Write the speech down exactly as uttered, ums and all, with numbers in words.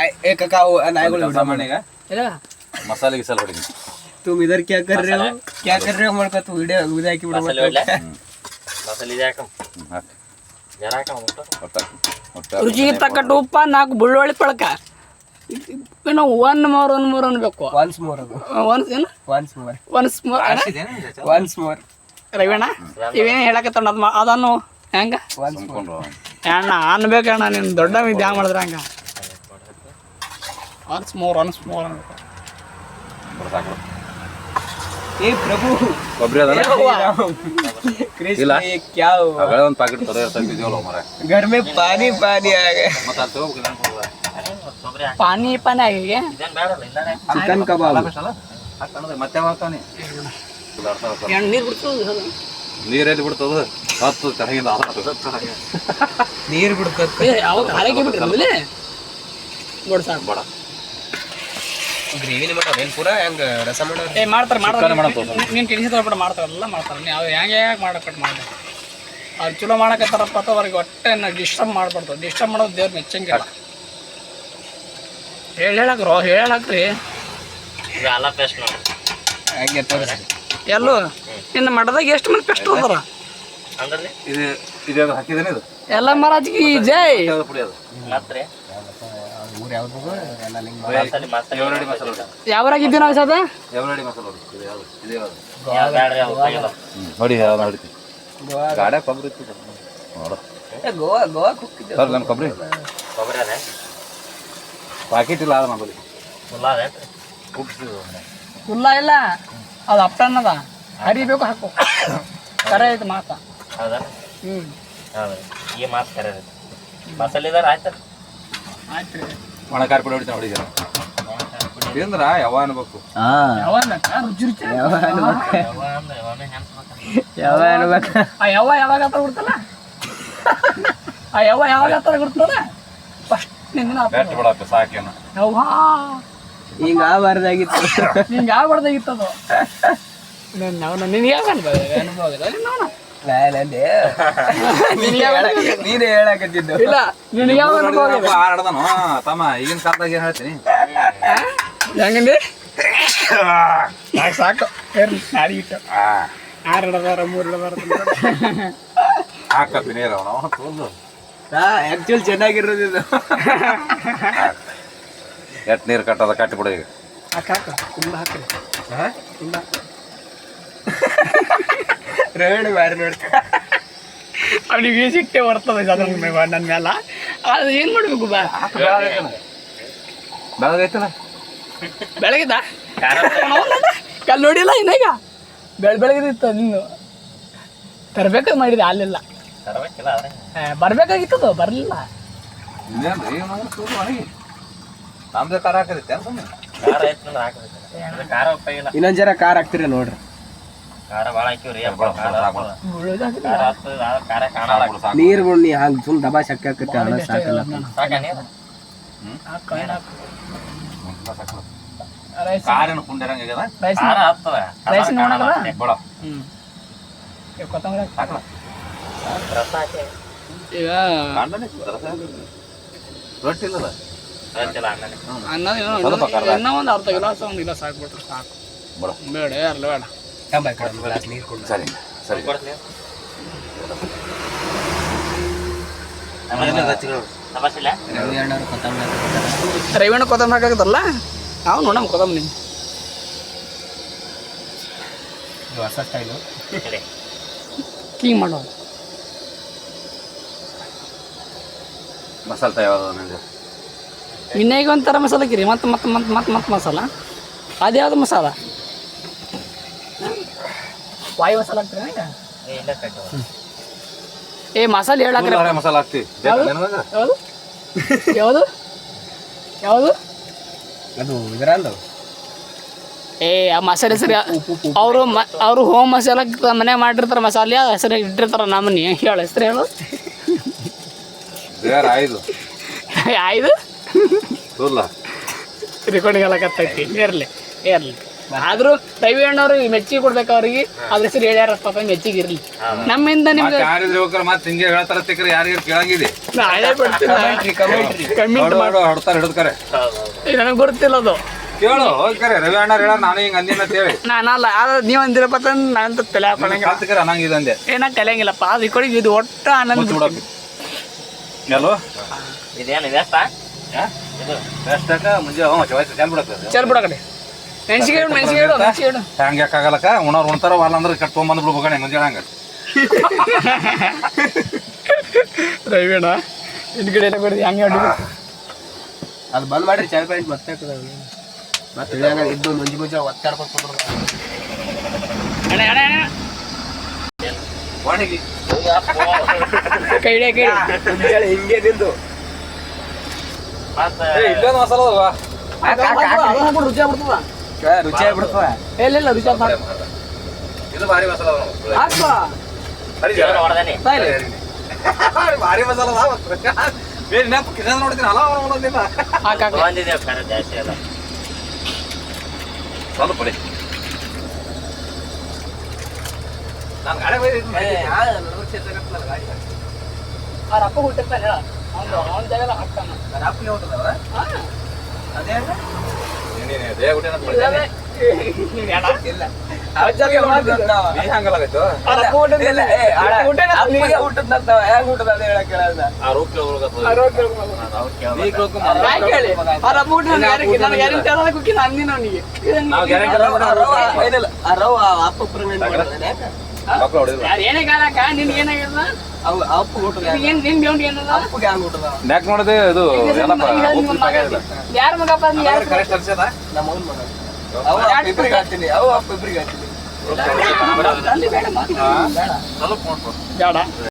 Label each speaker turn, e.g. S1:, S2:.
S1: ए काका नायगुल
S2: सामान्य का मसाले गिसाल ಹೊಡಿ
S1: तुम इधर क्या कर रहे हो क्या कर रहे हो मरका तू वीडियो उदा की बिಡು
S3: ಮಸಾಲೆ ಇದೆ ಹಾಕಂ ಜರ ಹಾಕಂ
S4: ರುಚಿಗೆ ತಕ್ಕಟ್ಟು ಉಪ್ಪ ನಾಲ್ಕು ಬೆಳ್ಳುಳ್ಳಿ ಪಳಕ ಇನ್ನು ಒನ್ ಮೋರ್ ಒನ್ ಮೋರ್ ಅನ್ಬೇಕು
S1: ಒನ್ಸ್ ಮೋರ್ ಅದು
S4: ಒನ್ಸ್ ಏನು
S1: once more
S4: once more
S1: once more
S4: ರವಿಣ್ಣ ಇವೇನೇ ಹೇಳಕತ್ತ ಅದು ಅದನ್ನು ಹೆಂಗ
S1: ಒನ್ಸ್ ಮೋರ್
S4: ಅಣ್ಣ ಅನ್ಬೇಕಣ್ಣ ನೀನು ದೊಡ್ಡ ವಿದ್ಯೆ ಹ್ಯಾಂಗ ಮಾಡಿದ್ರೆ ಹಂಗ ಒನ್ಸ್ ಮೋರ್ ಒನ್ಸ್ ಮೋರ್ ಅನ್ಬೇಕು
S1: ए प्रभु
S2: ಕೊಬ್ಬರಿ ಅದಲ್ಲ
S1: कृष्ण ये क्या हुआ
S2: ಅಗಳ ಒಂದು ಪ್ಯಾಕೆಟ್ ತರೋ ತಂದಿದ್ದೀವಲ್ಲ ಮರೆ
S1: घर में पानी पानी आ गया
S2: ಮತ್ತೆ ಅದು ತಗೋಬೇಕು
S4: ಪಾನಿ ಪಾನಿ ಆಗಿ
S3: ಇದೇನ್ ಬೇಡಲ್ಲ ಇಲ್ಲನೇ
S1: चिकन कबाब
S2: ಹಾಕಣದ ಮತ್ತೆ ಮಾಡ್ತಾನೆ
S4: ಎಣ್ಣೆ ನೀರು ಬಿಡ್ತದೆ
S2: ನೀರಲ್ಲಿ ಬಿಡ್ತದ ಹತ್ತು ತರಗಿಂದ
S1: ನೀರು ಬಿಡ್ತದೆ
S4: ಯಾವಾಗ ಹಾರೈಕೆ ಬಿಟ್ಟಿರಲಿ ನೋಡಿ ಸಾಕು
S2: ಬೇಡ
S1: ಗ್ರೇವಿನ ಮಾಡೋದು ಏನು ಪೂರಾ ಹೆಂಗೆ ರಸ ಮಾಡೋದು
S4: ಏ ಮಾಡ್ತಾರೆ ಮಾಡ್ತಾರೆ
S2: ಮಾಡ್ತಾರೆ.
S4: ನೀನು ಕೆಲ್ಸ ಬಿಟ್ಟು ಮಾಡ್ತಾರೆ ಎಲ್ಲ ಮಾಡ್ತಾರೆ ನೀವು ಅವ್ರು ಹೆಂಗೆ ಹೇಗೆ ಮಾಡಕ್ಕೆ ಮಾಡಿ ಅವ್ರು ಚಲೋ ಮಾಡಕತ್ತಾರಪ್ಪ ಅಥವಾ ಅವ್ರಿಗೆ ಹೊಟ್ಟೆ ಡಿಸ್ಟರ್ಬ್ ಮಾಡ್ಬಾರ್ದು ಡಿಸ್ಟರ್ಬ್ ಮಾಡೋದು ದೇವ್ರು ಮೆಚ್ಚಂಗಿಲ್ಲ ಹೇಳಿ ಹೇಳಕ್ರು ಹೇಳಕ್ರಿ
S3: ಇದು ಅಲ್ಲ ಪೇಸ್ಟ್ ನೋಡಿ
S1: ಹಾಗೆ ತೋರಿಸಿ
S4: ಎಲ್ಲೂ ನಿನ್ನ ಮಠದಾಗ ಎಷ್ಟು ಮಂದಿ ಪೆಸ್ಟ್ ಹೋದಾರ
S3: ಅಂದ್ರೆ
S2: ಇದು ಇದು ಹಾಕಿದೇನೆ ಇದು
S4: ಎಲ್ಲ ಮಹಾರಾಜ್ಗೆ ಜೈ
S2: ಯಾವ್ದು ಪುಡಿ ಅದು
S3: ಮಾತ್ರೆ
S1: ಊರು ಯಾವ್ದು ಎಲ್ಲ ಲಿಂಗ್
S3: ಮಸಾಲೆ ಮಸಾಲೆ
S2: ಎವರಡಿ ಮಸಾಲೆ ಹೊಡಿ
S4: ಯಾವ್ರಾಗಿದ್ದೀವಿ ನಾವು ಸದ
S2: ಎವರಡಿ ಮಸಾಲೆ ಹೊಡಿ ಇದು ಯಾವುದು ಇದು ಯಾವುದು
S3: ಯಾವ ಬ್ಯಾಡ್ರಿ ಅವು ತೆಗೆದು
S2: ನೋಡಿ ಯಾವ್ದು ಹೊಡಿತಿ
S1: ಗೋವಾ
S2: ಗಾಡೆ ಕೊಬ್ಬರಿ ಇತ್ತು ನೋಡು
S1: ಏ, ಗೋವಾ ಗೋವಾ ಹೋಗ್ತಿದ್ದೆ
S2: ಸರ್ ನನ್ನ ಕೊಬ್ಬರಿ
S3: ಕೊಬ್ಬರಿ ಅದೇ
S2: ಪ್ಯಾಕೆಟ್ ಇಲ್ಲ ಅದ ನಮ್ಮಲ್ಲಿ
S3: ಫುಲ್ ಅದೇ
S4: ಇಲ್ಲ ಇಲ್ಲ ಅದು ಅಪ್ಪಣ್ಣದ ಹರಿಬೇಕು ಹಾಕು ಕರೆ ಐತೆ ಮಾತ
S3: ಹೌದಾ
S4: ಹ್ಞೂ
S3: ಹೌದು ಈ ಮಾತು ಕರೆ ಮಸಾಲೆ ಇದಾರ ಆಯ್ತು
S4: ಆಯ್ತು ರೀ
S2: ಒಣ ಖಾರ ಪುಡಿ ಹೊಡಿತಾನೆ ಹೊಡಿದಾರೆ ತಿಂದ್ರ ಯಾವ ಅನ್ಬೇಕು
S1: ಹಾಂ
S4: ಯಾವಾಗ ರುಚಿ ರುಚಿ
S3: ಯಾವ ಅಂದ್ರೆ ಯಾವನೇ ಹೆಂಚ್ಬೇಕು
S1: ಯಾವ ಅನ್ಬೇಕು
S4: ಆ ಯವ್ವ ಯಾವಾಗ ಹತ್ರ ಬಿಡ್ತಲ್ಲ ಆ ಯವ್ವ ಯಾವಾಗ ಹತ್ರ ಬಿಡ್ತಲ್ಲ ಫಸ್ಟ್ ನಿನ್ನ
S2: ಬೆಸ್ಟ್ ಬಿಡಪ್ಪ ಸಾಕೇನ
S4: ಯವ್ವ
S1: ಹಿಂಗೆ ಆಗಬಾರ್ದಾಗಿತ್ತು
S4: ನಿಂಗೆ ಆಗ್ಬಾರ್ದಾಗಿತ್ತು ಅದು ನಾನು ನಿನಗೆ ಯಾವ ಅನುಭವ ಅನುಭವ ಆಗಿದೆ ನಿನ್ನ
S1: ನಾನಂದೆ ನೀನೇ ಹೇಳಕತ್ತಿದ್ದು
S4: ಇಲ್ಲ ನಿನಗೆ ಯಾವ ಅನುಭವ ಆಗಿದೆ
S2: ಆಡದನು ತಮ್ಮ ಈಗಿನ ಕಾಲದಾಗ ಏನ್ ಹೇಳ್ತೀನಿ
S4: ಹೆಂಗಂದಿ ಸಾಕು ಸಾಕು ಏರ್ಲಿ ನಾಡಿ ಇಟ್ಟು ಆರು ಹಿಡದಾರ ಮೂರು ಹಿಡದಾರ
S2: ಹಾಕಪ್ಪಿ ನೀರು ಅವನು ತೋಲ್ದು
S1: ಹಾ ಆಕ್ಚುಲ್ ಚೆನ್ನಾಗಿರೋದು ಇದು
S2: ಎಟ್ ನೀರು ಕಟ್ಟದ ಕಟ್ಟಿ ಬಿಡು ಈಗ
S4: ಹಾಕ ಹಾಕ ತುಂಬ ಹಾಕ್ರಿ ತುಂಬ
S1: ರವಣ ಬಾರಿ ನೋಡ್ತಾ
S4: ಅವನಿಗೆ ಸಿಟ್ಟೆ ಬರ್ತದೆ ಅದ್ರ ನನ್ನ ಮೇಲೆ ಅದು ಏನು ಮಾಡಬೇಕು ಬಾ
S2: ಬೆಳಗೈತಲ್ಲ
S4: ಬೆಳಗಿದ ಕಲ್ ನೋಡಿಲ್ಲ ಇನ್ನೀಗ ಬೆಳ ಬೆಳಗಿದಿತ್ತು ನೀನು ತರಬೇಕಾದ್ ಮಾಡಿದೆ ಅಲ್ಲೆಲ್ಲ
S3: ತರಬೇಕಿಲ್ಲ ಆದ್ರೆ
S4: ಬರ್ಬೇಕಾಗಿತ್ತದು ಬರಲಿಲ್ಲ
S2: ಇನ್ನೇನ್ರಿ ಒಣಗಿ ನಮ್ದೇ ಖಾರ ಹಾಕದೈತೆ ಸುಮ್ಮನೆ
S3: ಖಾರ ಐತೆ ಅಂದ್ರೆ ಹಾಕಬೇಕು ಅಂದ್ರೆ ಖಾರ ಉಪ್ಪಾಗಿಲ್ಲ
S1: ಇನ್ನೊಂದ್ ಜರ ಕಾರ್ ಹಾಕ್ತಿರ ನೋಡ್ರಿ
S3: ಖಾರ ಭಾಳ ಹಾಕಿವ್ರಿ ಅಪ್ಪ ಖಾರ ಹಾಕೋದು. ಖಾರ ಹಾಕ್ತದೆ ಆದ್ರೆ ಖಾರ ಕಾಣಲ್ಲ
S1: ನೀರ್ ಬಿಡ್ ನೀ ಹಂಗ ಸುಮ್ ದಬಾ ಶಕ್ಕ ಹಾಕತ್ತೆ ಅಣ್ಣ ಸಾಕಲ್ಲ
S3: ಸಾಕ ನೀರು
S4: ರೈಸ್
S2: ಕಾರಿನ ಕುಂಡಿರಂಗ ಆಗ್ಯದ
S4: ರೈಸ್
S3: ಖಾರ ಹಾಕ್ತದೆ
S4: ರೈಸ್ ನೋಡಲ್ಲ
S2: ಬಿಡ
S4: ಹ್ಞೂ ಕೊತ್ತಂಬರಿ
S2: ಹಾಕಲ
S3: ರಸ ಹಾಕಿ
S4: ಈಗ
S2: ಕಾಂಡನೆ ರೊಟ್ಟಿ ಇಲ್ಲದ
S3: ರೊಚ್ಚಿಲ್ಲ ಅನ್ನನೇ
S4: ಅನ್ನ
S2: ಸ್ವಲ್ಪ ಕರ್ದ.
S4: ಇನ್ನೂ ಒಂದು ಅರ್ಧ ಗಿಲಾಸ್ ಒಂದು ಗಿಲಾಸ್ ಹಾಕ್ಬಿಟ್ರೆ ಸಾಕು
S2: ಬಿಡ
S4: ಬೇಡ ಅರ್ಲ ಬೇಡ
S1: ಗ್ಲಾಸ್ ನೀರ್ ಕೊಡು
S2: ಸರಿ ಸರಿ
S3: ಕೊಡ್ತೀನಿ ತಪಾಸಿಲ್ಲ
S1: ರವಿ ಅಣ್ಣವ್ರು ಕೊತ್ತಂಬರಿ ಹಾಕ್ತಾರೆ.
S4: ರವಿಣ್ಣ ಕೊತ್ತಂಬರಿ ಹಾಕಾಗತ್ತಲ್ಲ ನಾವು ನೋಡಮ್ ಕೊತ್ತಂಬರಿ
S1: ಇದು ಹೊಸ ಸ್ಟೈಲು
S3: ಸರಿ
S4: ಹಿಂಗೆ ಮಾಡೋದು
S2: ಮಸಾಲೆ ತಯಾರ ನನಗೆ
S4: ಇನ್ನೇಗ ಒಂಥರ ಮಸಾಲ ಹಾಕಿರಿ ಮತ್ತೆ ಮತ್ತೆ ಮತ್ತೆ ಮತ್ತೆ ಮತ್ತೆ ಮಸಾಲ ಅದ್ಯಾವ್ದು ಮಸಾಲ ವಾಯು ಮಸಾಲ ಹಾಕ್ತೀರಿ ಈಗ
S3: ಏ, ಇಲ್ಲ ಕಟ್ಟು
S4: ಏ ಮಸಾಲೆ ಹೇಳಕ್ರಿ
S2: ಉಳ್ಳಾಗಡ್ಡಿ ಮಸಾಲೆ ಹಾಕ್ತಿ
S4: ಯಾವ್ದು ಯಾವುದು ಯಾವುದು ಯಾವುದು
S1: ಅದು ಇದರಂದು
S4: ಏ ಆ ಮಸಾಲೆ ಹೆಸರು ಅವರು ಮ ಅವರು ಹೋಮ್ ಮಸಾಲ ಮನೆ ಮಾಡಿರ್ತಾರೆ ಮಸಾಲೆ ಹೆಸರು ಇಟ್ಟಿರ್ತಾರೆ ನಮ್ಮನಿ ಹೇಳು ಹೆಸರು ಹೇಳು
S2: ಬೇರೆ ಐದು
S4: ಆಯ್ದು
S2: ತುಲ್ಲ
S4: ರೆಕಾರ್ಡಿಂಗ್ ಎಲ್ಲ ಕತ್ತೈತಿ ಇರಲಿ ಇರಲಿ ಆದರೂ ರವಿ ಅಣ್ಣವ್ರು ಮೆಚ್ಚಿಗೆ ಕೊಡ್ಬೇಕು ಅವ್ರಿಗೆ ಅದ್ರ ಹೆಸರು ಹೇಳ್ಯಾರಪ್ಪ ಮೆಚ್ಚಿಗೆ ಇರಲಿ ನಮ್ಮಿಂದ ನಿಮ್ಗೆ
S2: ಯಾರಿದ್ರೆ ಹೋಗ್ರ ಮತ್ತೆ ಹಿಂಗೆ ಹೇಳ್ತಾರ ತಿಕ್ಕ್ರೆ ಯಾರಿಗಾರು ಕೇಳಂಗಿದೆ
S4: ನಾಳೆ ಬಿಡ್ತೀನಿ
S1: ಕಮೆಂಟ್ರಿ ಕಮೆಂಟ್ರಿ
S4: ಕಮೆಂಟ್ ಮಾಡಿ
S2: ಹೊಡ್ತಾರ ಹಿಡಿದ್ ಕರೆ
S4: ನನಗೆ ಗೊತ್ತಿಲ್ಲ ಅದು
S2: ಕೇಳು ಹೋಗಿ ಕರೆ ರವಿ ಅಣ್ಣ ಹೇಳ ನಾನು ಹಿಂಗ ಅಂದಿನ ಅಂತ ಹೇಳಿ
S4: ನಾನಲ್ಲ ಅದು ನೀವು ಅಂದಿರಪ್ಪ ನಾನು ತಲೆ ಹಾಕೊಳಂಗಿಲ್ಲ
S2: ಕಲ್ತ್ ಕರೆ ನಂಗೆ ಇದಂದೆ
S4: ಏನ ಕಲಿಯಂಗಿಲ್ಲಪ್ಪ ಅದು ಈ ಕಡೆ ಇದು ಒಟ್ಟು ಆನಂದ
S2: ಮುಚ್ಚಿ ಬಿಡಕ್ಕೆ ಎಲ್ಲೋ
S3: ಇದೇನು ವೇಸ್ಟ ಇದು
S2: ಎಷ್ಟಕ್ಕ ಮುಂಜೆ ಹ್ಞೂ ಚವಾಯ್ತು ಚೆಲ್ ಬಿಡಕ್ಕೆ
S4: ಚಲ್ ಬಿಡ ಕಡೆ ಮೆಣಸಿಗೆ ಇಡು ಮೆಣಸಿಗೆ ಇಡು ಮೆಣಸಿಗೆ ಇಡು
S2: ಹ್ಯಾಂಗ ಯಾಕಾಗಲ್ಲಕ್ಕ ಉಣವ್ರು ಉಣ್ತಾರ ವಾರ ಅಂದ್ರೆ ಕಟ್ ತೊಗೊಂಬಂದು ಬಿಡ್ಬೇಕಣೆ ಮುಂಜಾನೆ ಹಂಗ
S4: ರವಿಣ್ಣ ಹಿಂದ್ಗಡೆ ಎಲ್ಲ ಬಿಡ್ದು ಹೆಂಗೆ ಹೊಡಿ
S1: ಅದು ಬಂದ್ ಮಾಡ್ರಿ ಚಾಯ್ ಪಾಯಿಂಟ್ ಮತ್ತೆ ಮತ್ತೆ ಇಳಿಯಾಗ ಇದ್ದು ಮುಂಜಿ ಮುಂಜೆ ಒತ್ತಾಡ್ಕೊಂಡು
S4: ಅಣ್ಣ ಅಣ್ಣ ಅಣ್ಣ
S2: ವಾಣಿಗೆ
S4: ಕೈ ಹಿಡಿಯ ಕೈ
S1: ಮುಂಜಾನೆ ಹಿಂಗೆ ನಿಂದು
S3: ಮತ್ತೆ
S2: ಇಲ್ಲೊಂದು ಮಸಾಲ ಅದಾವ
S4: ರುಚಿ ಆಗ್ಬಿಡ್ತದ
S1: ರುಚಿ ಆಗ್ಬಿಡ್ತದ
S4: ಇಲ್ಲ ಇಲ್ಲ ರುಚಿ ಆಗ್ತದ
S2: ಇದು ಭಾರಿ ಮಸಾಲ ಅದಾವ
S4: ಹಾಕ್ಪ
S3: ಜೀವನ ಹೊಡ್ದೇನಿ
S2: ಭಾರಿ ಮಸಾಲ ಅದಾವ ಬೇರೆ ನೆನಪು ಕಿಶನ್ ನೋಡ್ತೀನಿ ಅಲ್ಲ ಒಂದೊಂದಿಲ್ಲ
S4: ಹಾಕ
S3: ಬಂದಿದ್ದೇವೆ ಖರೆ ಜಾಸ್ತಿ ಅಲ್ಲ
S2: ಸ್ವಲ್ಪ ಪಡಿ ನಾನು ಗಾಡಿ ಬೈದಿದ್ದೀನಿ
S4: ಅವ್ರ ಅಪ್ಪ ಹುಟ್ಟಿರ್ತಾನೆ ಹೇಳ ಅವ್ನು ಅವ್ನ ಜಾಗ ಹಾಕ್ತಾನ
S1: ರಾಪ್ಲಿ ಹೋಗ್ತದವ ಅದೇ
S2: ದೇಹ ಹುಟ್ಟಿನ ಇಲ್ಲ ನೀ ಹಂಗಲಾಗೈತು ಆ ರೂಪ್ ನಾವು ಗ್ಯಾರಂಟಿ ಮಕ್ಕಳು ಹೊಡಿದ್ರು
S4: ಏನೇ ಕಾಲಕ್ಕ ನಿನ್ಗೆ ಏನಾಗಿಲ್ಲ ಏನ್ ನಿನ್ ಬೇಂಡಿ ಏನದ
S2: ಯಾಕೆ ನೋಡಿದೆ ಇದು ಎಲ್ಲಪ್ಪ ಉಪ್ಪು ಪ್ಯಾಕೆಟ್
S4: ಯಾರ ಮಗಪ್ಪ ನೀ ಯಾರ
S2: ಕರೆಕ್ಟ್ ಅನ್ಸದ
S1: ನಮ್ಮ ಅವ್ನ ಮಗ ಅವ ಅಪ್ಪ ಇಬ್ರಿಗೆ ಹಾಕ್ತೀನಿ ಅವ ಅಪ್ಪ ಇಬ್ರಿಗೆ ಹಾಕ್ತೀನಿ
S4: ಅಲ್ಲಿ ಬೇಡ
S2: ಸ್ವಲ್ಪ ನೋಡ್ಬೋದು
S4: ಬೇಡ